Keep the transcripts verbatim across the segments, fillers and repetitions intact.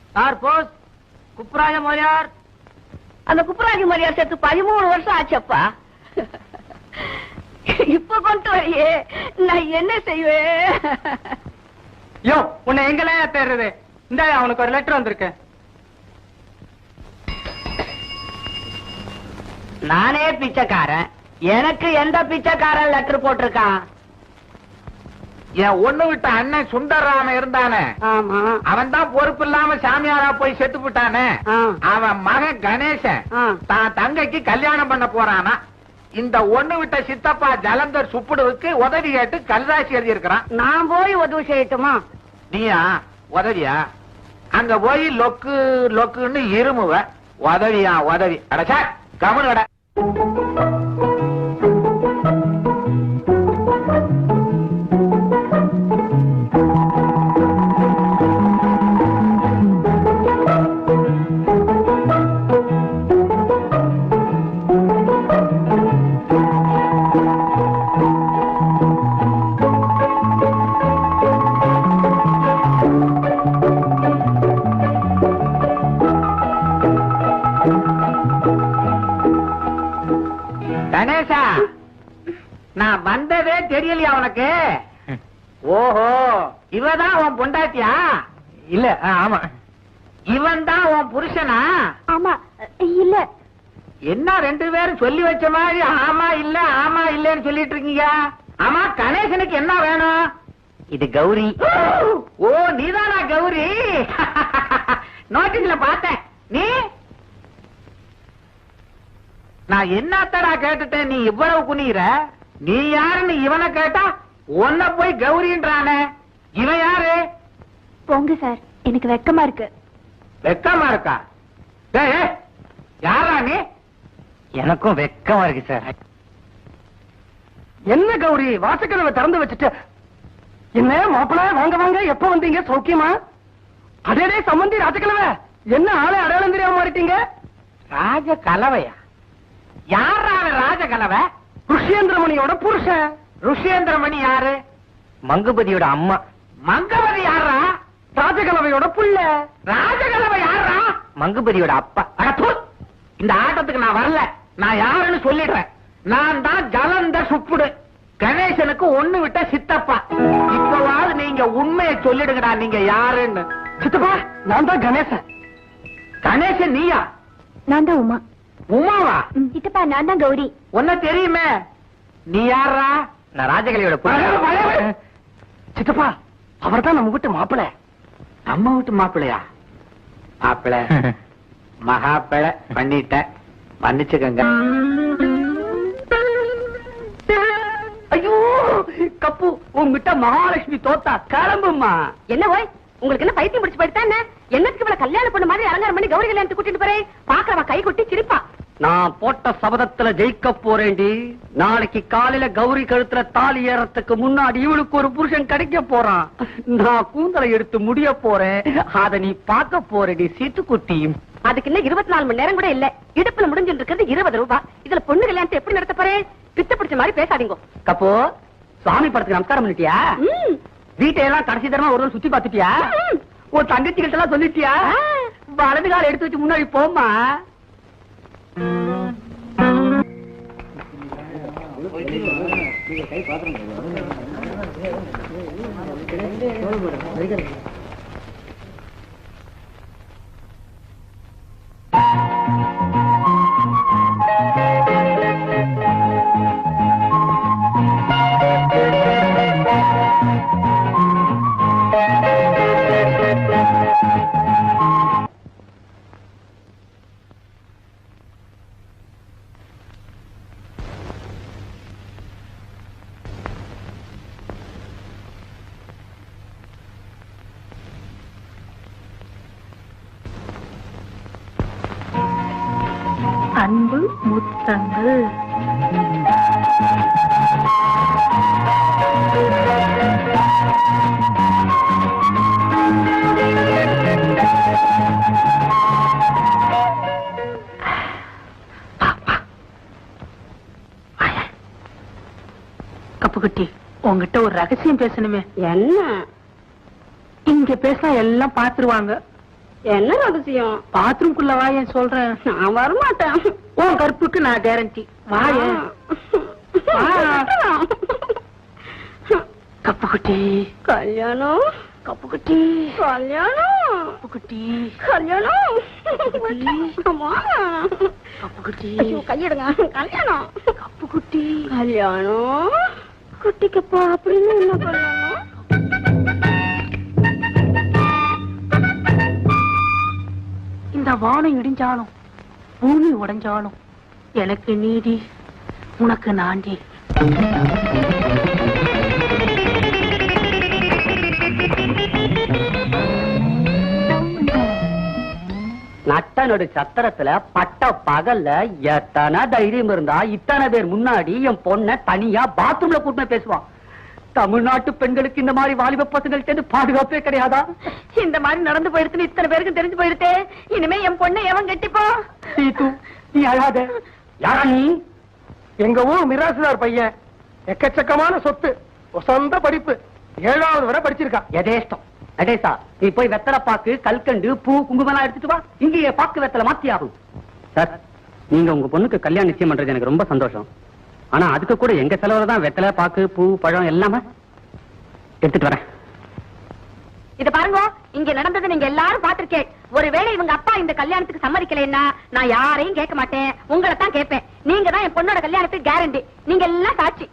Sir Bose குப்ராஜ மரியார். அந்த குப்ராஜ மரியார் சேர்த்து பதிமூணு வருஷம் ஆச்சப்பா. இப்ப கொண்டு வரையே நான் என்ன செய்வேன்? யோ உன்னை எங்கெல்லாம் தேடுறது? இந்த அவனுக்கு ஒரு லெட்டர் வந்திருக்கு. நானே பிச்சைக்காரன், எனக்கு எந்த பிச்சைக்காரன் லெட்டர் போட்டிருக்கான்? என் ஒண்ணு விட்ட அண்ணன் சுந்தரராமன் இருந்தானே, ஆமா, அவன் தான் பொறுப்பு இல்லாம சாமியாரா போய் செத்து விட்டானே. அவன் மகன் கணேசன் தான் தங்கைக்கு கல்யாணம் பண்ண போறானா. இந்த ஒண்ணு விட்ட சித்தப்பா ஜலந்தர் சுப்புடுவுக்கு உதவி கேட்டு கல்ராசி எழுதி இருக்கிறான். நான் போய் உதவி செய்யட்டுமா? நீயா உதவியா? அங்க போய் லொக்கு லொக்குன்னு இருமுவ. உதவியா உதவி? அடச்சா கவனு கட. கணேசா, நான் வந்ததே தெரியலையா உனக்கு? ஓஹோ, இவதான் உன் பொண்டாட்டியா? இல்ல ஆமா. இவன் தான் உன் புருஷனா? ஆமா. இல்ல. என்ன ரெண்டு பேரும் சொல்லி வச்ச மாதிரி ஆமா இல்ல ஆமா இல்லன்னு சொல்லிட்டு இருக்கீங்க? ஆமா, கணேசனுக்கு என்ன வேணும்? இது கௌரி. ஓ, நீதானா கௌரி? நோட்டீஸ்ல பார்த்தேன். நீ நான் என்னத்தடா கேட்டுட்டேன், நீ இவ்வளவு குனிற? நீ யாருன்னு இவனை கேட்டா உன்ன போய் கௌரின்றானே. இவன் யாரு? போங்க சார், எனக்கு வெக்கமா இருக்கு. வெக்கமா இருக்கா? டேய், யாரா நீ? எனக்கும் வெக்கமா இருக்கு சார். என்ன கௌரி, வாசக்கதவை திறந்து வச்சுட்டு என்ன மாப்பிள வாங்க வாங்க, எப்ப வந்தீங்க? சௌக்கியமா? அடே சம்பந்தி ராஜகலவை, என்ன ஆளே அடையாளம் தெரியாம மாறிட்டீங்க? ராஜ கலவையா? யாரா ராஜ கலவை? ருஷியேந்திரமணியோட புருஷன். ருஷியேந்திரமணி யாரு? மங்குபதியோட அம்மா. மங்கவதி யாரா? ராஜகலவையோட புள்ள. ராஜகலவை யாரா? மங்குபதியோட அப்பா. அட தூ, இந்த ஆட்டத்துக்கு நான் வரல. நான் யாருன்னு சொல்லிடுறேன். நான் தான் ஜலந்த சுப்புடு, கணேசனுக்கு ஒண்ணு விட்ட சித்தப்பா. இப்பவாவது நீங்க உண்மையை சொல்லிடுங்கடா, நீங்க யாருன்னு. சித்தப்பா, நான் தான் கணேசன். கணேசன் நீயா? நான் தான் உமா. உமாவா? சித்தப்பா, நான் தான் கௌரி. உன்ன தெரியுமே. நீ யாரா? நான் ராஜகலியோட புள்ள. சித்தப்பா, அவர் தான் நம்ம வீட்டு மாப்பிள. நம்ம வீட்டு மாப்பிளையா? மாப்பிள மகாப்பிள பண்ணிட்ட, மன்னிச்சுக்கங்க. ஐயோ கப்பு, உங்ககிட்ட மகாலட்சுமி தோத்தா. கிளம்புமா. என்ன ஓய், உங்களுக்கு என்ன பைத்தியம் முடிச்சு போயிட்டா என்ன? என்னத்துக்கு இவள கல்யாணம் பண்ண மாதிரி அலங்காரம் பண்ணி கௌரி கல்யாணத்துக்கு கூட்டிட்டு போறேன்? பாக்குறவன் கை கொட்டி சிரிப்பா. நான் போட்ட சபதத்துல ஜெயிக்க போறேன்டி. நாளைக்கு காலையில கௌரி கழுத்துல தாலி ஏறத்துக்கு முன்னாடி இவளுக்கு ஒரு புருஷன் கிடைக்க போறான். நான் கூந்தலை எடுத்து முடிய போறேன். அத நீ பார்க்க போறடி சீட்டுக்குட்டி. அதுக்கு இன்னும் இருபத்தி நாலு மணி நேரம் கூட இல்ல. இடுப்புல முடிஞ்சிட்டு இருக்கிறது இருபது ரூபாய். இதுல பொண்ணு கல்யாணத்தை எப்படி நடத்த போறேன்? பித்த பிடிச்ச மாதிரி பேசாதீங்க. கப்போ, சுவாமி படத்துக்கு நமஸ்காரம் பண்ணிட்டியா? வீட்டையெல்லாம் கடைசி தரமா ஒரு சுத்தி பாத்துட்டியா? உன் தங்கச்சி கிட்ட எல்லாம் சொல்லிட்டியா? வலது கால எடுத்து வச்சு முன்னாடி போமா. அன்பு முத்தங்கள். கப்புக்குட்டி, உங்ககிட்ட ஒரு ரகசியம் பேசணுமே. என்ன? இங்க பேசினா எல்லாம் பாத்துருவாங்க. என்ன ரகசியம்? பாத்ரூம்குள்ள வாயேன் சொல்றேன். நான் வரமாட்டேன். உன் கற்புக்கு நான் கேரண்டி. வாயேன். கப்புக்குட்டி கல்யாணம், கப்புக்குட்டி கல்யாணம், கப்புக்குட்டி கல்யாணம். அம்மா. கப்புக்குட்டி ஐயோ, கையெடுங்க. கல்யாணம், கப்புக்குட்டி கல்யாணம். குட்டிக்கப்பா அப்படின்னு என்ன கல்யாணம்? இந்த வானம் இடிஞ்சாலும் பூமி உடைஞ்சாலும் எனக்கு நீதி, உனக்கு நாண்டி. நட்ட நடு சத்திரத்துல பட்ட பகல்ல எத்தனை தைரியம் இருந்தா இத்தனை பேர் முன்னாடி என் பொண்ண தனியா பாத்ரூம்ல கூட்டு பேசுவான். தமிழ்நாட்டு பெண்களுக்கு இந்த மாதிரி வாலிப பசங்கள்ட்ட பாதுகாப்பே கிடையாதா? இந்த மாதிரி நடந்து போயிடுச்சுன்னு இத்தனை பேருக்கு தெரிஞ்சு போயிடுதே. இனிமே என் பொண்ணை எவன் கட்டிப்போ? சீத்து, நீ அழாத. யாரா நீ? எங்க ஊர் மிராசுதார் பையன், எக்கச்சக்கமான சொத்து, சொந்த படிப்பு, ஏழாவது வரை படிச்சிருக்கான். எதேஷ்டம். நடேசா, நீ போய் வெத்தலை பாக்கு, கல்கண்டு, பூ, குங்குமம் எடுத்துட்டு வா. இங்கேயே பாக்கு வெத்தலை மாத்தி ஆகும். சார், நீங்க உங்க பொண்ணுக்கு கல்யாணம் நிச்சயம் பண்றது எனக்கு ரொம்ப சந்தோஷம். ஆனா அதுக்கு கூட எங்க செலவுல தான் வெத்தலை பாக்கு, பூ, பழம் எல்லாமே எடுத்துட்டு வரேன். இத பாருங்க, இங்க நடந்தது நீங்க எல்லாரும் பாத்திருக்கேன். ஒருவேளை இவங்க அப்பா இந்த கல்யாணத்துக்கு சம்மதிக்கலைன்னா நான் யாரையும் கேட்க மாட்டேன், உங்களை தான் கேட்பேன். நீங்க தான் என் பொண்ணோட கல்யாணத்துக்கு கேரண்டி. நீங்க எல்லாம் சாட்சி.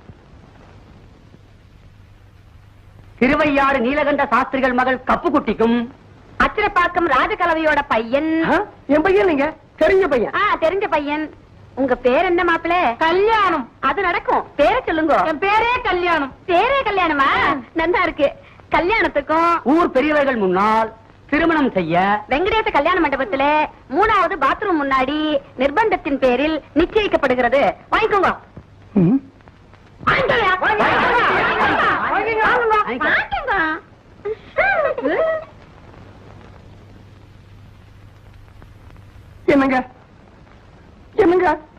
திருவையாறு நீலகண்ட சாஸ்திரிகள் மகள் கப்புக்குட்டிக்கும் அச்சிரப்பாக்கம் ராஜகலவையோட பையன். என் பையன் நீங்க தெரிஞ்ச பையன். ஆ, தெரிஞ்ச பையன். உங்க பேர் என்ன மாப்பிள? கல்யாணம். அது நடக்கும். பேரை சொல்லுங்க. என் பேரே கல்யாணம். பேரே கல்யாணமா? நல்லா இருக்கு. கல்யாணத்துக்கும் ஊர் பெரியவர்கள் முன்னால் திருமணம் செய்ய வெங்கடேச கல்யாண மண்டபத்திலே மூணாவது பாத்ரூம் முன்னாடி நிர்பந்தத்தின் பேரில் நிச்சயிக்கப்படுகிறது. வாங்கிக்கோங்க. வாங்கிக்கோங்க. வாங்கிக்கோங்க. என்னங்க என்னங்க